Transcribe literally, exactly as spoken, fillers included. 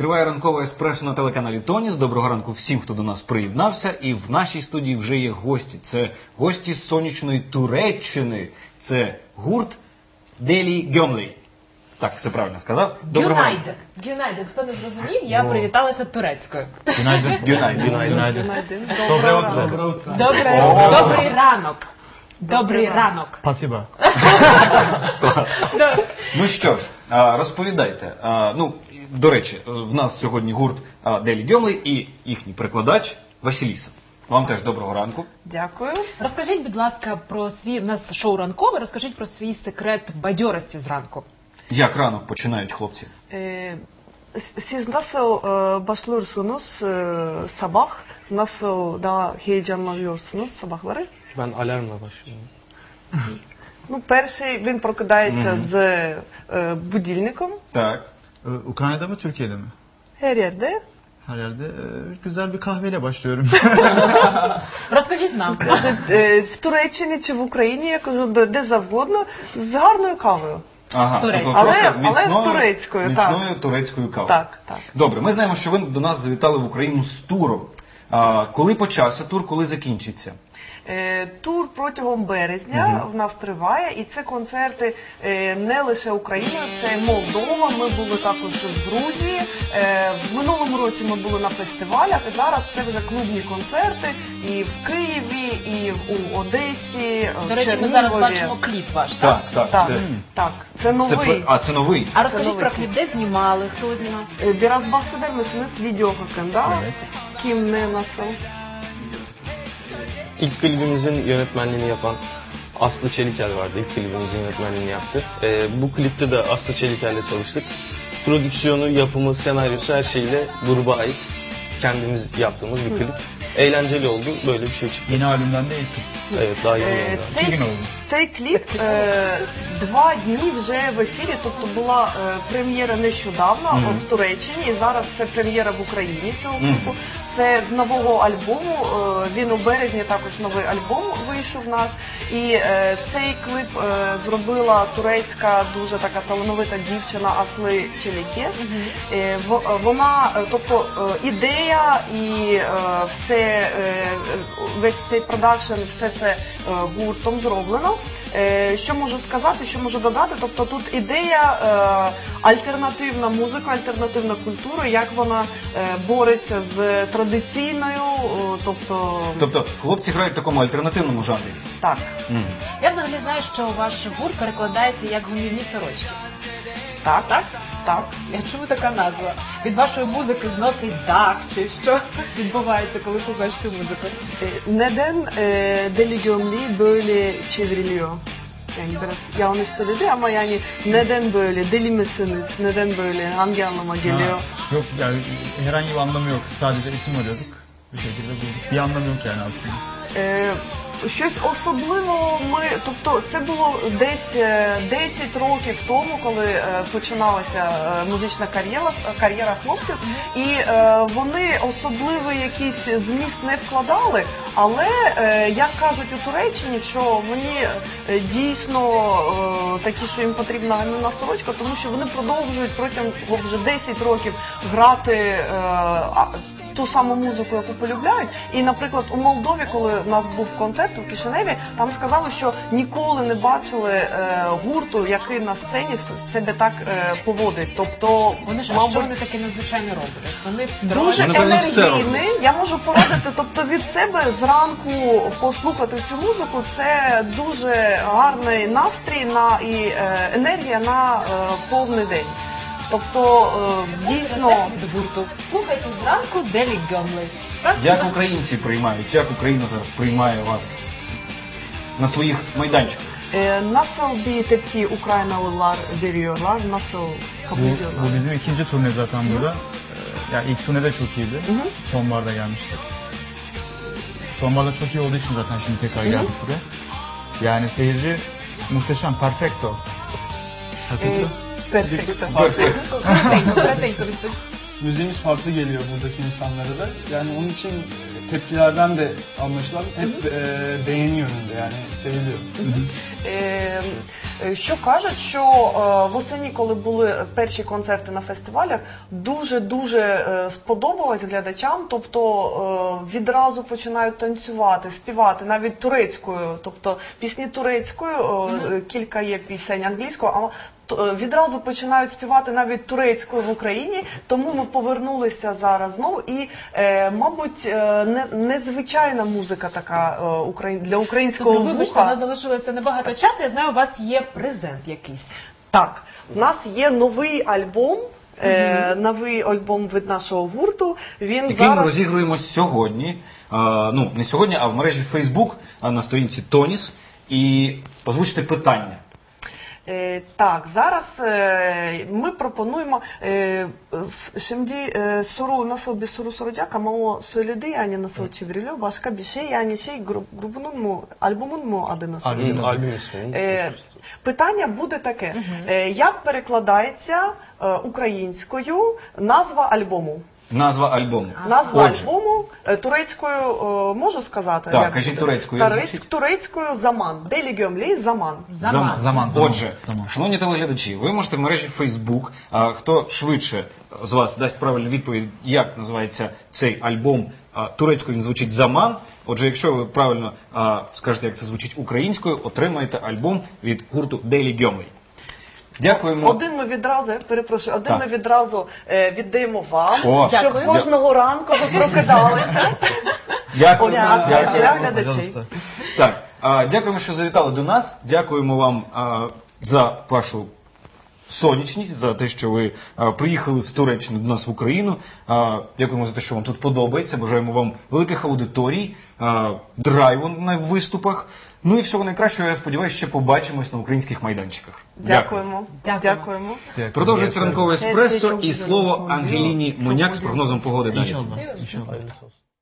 Триває ранкове еспресо на телеканалі Тоніс. Доброго ранку всім, хто до нас приєднався. І в нашій студії вже є гості. Це гості з сонячної Туреччини. Це гурт Делі Гьомлі. Так, все правильно сказав. Гюнайден. Гюнайден. Хто не зрозумів, я привіталася турецькою. Гюнайден. Гюнайден. Добре утро. Добрий ранок. Добрий ранок. Спасибо. Ну що ж, розповідайте. Ну, до речі, в нас сьогодні гурт Делі Гьомлі і їхній перекладач Василіса. Вам теж доброго ранку. Дякую. Розкажіть, будь ласка, про свій, в нас шоу ранкове, розкажіть про свій секрет бадьорості зранку. Як ранок починають хлопці? Siz nasıl e, başlıyorsunuz e, sabah? Nasıl daha heyecanlanıyorsunuz sabahları? Ben alarmla başlıyorum. Ну, перший він прокидається з е, будильником. Так. Ukrayna'da mı, Türkiye'de mi? Her yerde. Her yerde e, güzel bir kahveyle başlıyorum. Розкажіть нам. Е, В Туреччині чи в Україні, я кажу, де, де завгодно, з гарною кавою. Ага, Турецькою. тобто Але- просто але з міцною- турецькою, так. міцною турецькою кавою. Так, так. Добре, ми знаємо, що ви до нас завітали в Україну з туром. А, коли почався тур, коли закінчиться? Е, Тур протягом березня в нас триває, і це концерти е, не лише Україною, це Молдова, ми були також в Грузії, е, в минулому році ми були на фестивалях, і зараз це вже клубні концерти і в Києві, і в- у Одесі, До в речі, ми Чернігові. зараз бачимо кліп ваш, так? Так, так. Так, Це, так, це це, новий. про- а, це новий. А розкажіть новий про кліп. кліп, де знімали, хто знімав? Ee, Biraz bahseder misiniz video hakkında? Kim, ne, nasıl? İlk klibimizin yönetmenliğini yapan Aslı Çeliker vardı. İlk klibimizin yönetmenliğini yaptı. Ee, bu klipte de Aslı Çeliker'le çalıştık. Prodüksiyonu, yapımı, senaryosu her şeyle gruba ait. Kendimiz yaptığımız bir klip. Eğlenceli oldu. Böyle bir şey çıktı. Yeni albümden de ilk. Evet, daha yeni Е, oldu. İki gün Цей, oldu. цей кліп е, два дні вже в ефірі, тобто була е, прем'єра нещодавно в Туреччині, і зараз це прем'єра в Україні цього кліпу. Це з нового альбому, е, він у березні також новий альбом вийшов наш. І е, цей кліп е, зробила турецька дуже така талановита дівчина Асли Челікеш. Е, в- вона, е, тобто е, ідея і е, все, е, весь цей продакшн, все це е, гуртом зроблено. Е, Що можу сказати, що можу додати? Тобто тут ідея е, альтернативна музика, альтернативна культура, як вона е, бореться з традиційною, е, тобто Тобто хлопці грають в такому альтернативному жанрі. так. Мгм. Я взагалі знаю, що ваш гурт перекладається як гумівні сорочки. Так, так, так. Я чому така назва? Від вашої музики зносить дах, чи що відбувається, коли слухаєш цю музику? E, Neden e, Deli Gömleği böyle çevriliyor? Yani biraz yanlış söyledi ama yani neden böyle? Deli misiniz? Neden böyle? Hangi anlama geliyor? Ha, yok yani herhangi bir anlamı yok. Sadece isim arıyorduk. Bir şekilde bulduk. Bir anlamı yok yani aslında. Е, Щось особливо ми, тобто це було десь е, десять років тому, коли е, починалася е, музична кар'єра, кар'єра хлопців, і е, вони особливий якийсь зміст не вкладали, але, е, як кажуть у Туреччині, що вони е, дійсно е, такі, що їм потрібна гамівна сорочка, тому що вони продовжують протягом вже десять років грати е, а, ту саму музику, яку полюбляють. І, наприклад, у Молдові, коли у нас був концерт у Кишиневі, там сказали, що ніколи не бачили е, гурту, який на сцені себе так е, поводить. Тобто, Вони ж, а що вони таке надзвичайно роблять? Вони дуже Вони, напевно, все енергійний. Я можу порадити, тобто від себе зранку послухати цю музику, це дуже гарний настрій на, і е, енергія на е, повний день. Тобто, е, дійсно... від гурту. Слухайте зранку Делі Гьомлі. Як українці приймають, як Україна зараз приймає вас на своїх майданчиках? E, nasıl bir tepki Ukraynalılar veriyorlar? Nasıl kabul Bu, ediyorlar? bu bizim ikinci turne zaten burada. Ee, Yani ilk turne de çok iyiydi. Sonbaharda gelmiştik. Sonbaharda çok iyi olduğu için zaten şimdi tekrar geldik buraya. Yani seyirci muhteşem, perfecto. Perfecto. Perfecto. Коротенько, коротенько. Müziğimiz farklı geliyor buradaki insanlara da. Yani onun için tepkilerden de anlaşılan hep e, beğeni yönünde, yani seviliyor. Е, е, Що кажуть, що е, восені, коли були перші концерти на фестивалях, дуже-дуже е, сподобалось глядачам, тобто е, відразу починають танцювати, співати, навіть турецькою, тобто пісні турецькою, е, кілька є пісень англійською, а т- е, відразу починають співати навіть турецькою в Україні, тому ми повернулися зараз знову і, е, мабуть, е, не, незвичайна музика така е, україн- для українського Добре, вибачте, у вуха. нас залишилося небагато часу. Я знаю, у вас є презент якийсь. Так, в нас є новий альбом, е, новий альбом від нашого гурту. Він Який ми зараз розігруємо сьогодні, а, ну не сьогодні, а в мережі Facebook а, на сторінці Тоніс. І озвучте питання. Е, так, зараз е, ми пропонуємо е, с- şimdi e, soru nasıl bir soru soracak ama o söyledi yani nasıl çevriliyor başka bir şey yani şey grup, grubunun mu albümün mu adı nasıl? Albüm. Hı, albüm ismi. Е, питання буде таке: е, як перекладається е, українською назва альбому? Назва альбому. Назва Отже, альбому е, турецькою е, можу сказати? Так, Як кажіть буде? турецькою, як Турецьк- звучить? турецькою заман. Делі гьомлі заман. Заман. Заман, заман, Отже, заман. шановні телеглядачі, ви можете в мережі Facebook, а, хто швидше з вас дасть правильну відповідь, як називається цей альбом, а, турецькою він звучить «Заман». Отже, якщо ви правильно а, скажете, як це звучить українською, отримаєте альбом від гурту Daily Gömley. Дякуємо. Один ми відразу, я перепрошую, один Так. ми відразу е, віддаємо вам, О, щоб дякую. кожного ранку ви прокидалися. Дякуємо. Дякую. Дякую. Для глядачей. Пожалуйста. Так, а, дякуємо, що завітали до нас. Дякуємо вам а, за вашу сонячність, за те, що ви а, приїхали з Туреччини до нас в Україну. А, дякуємо за те, що вам тут подобається. Бажаємо вам великих аудиторій, а, драйву на виступах. Ну і всього найкращого, я сподіваюся, ще побачимось на українських майданчиках. Дякуємо. Дякуємо. Дякуємо. Дякую. Продовжується ранкове Дякую. еспресо Дякую. і слово Ангеліні Моняк з прогнозом погоди далі. İnşallah. İnşallah. Hayırlısı olsun.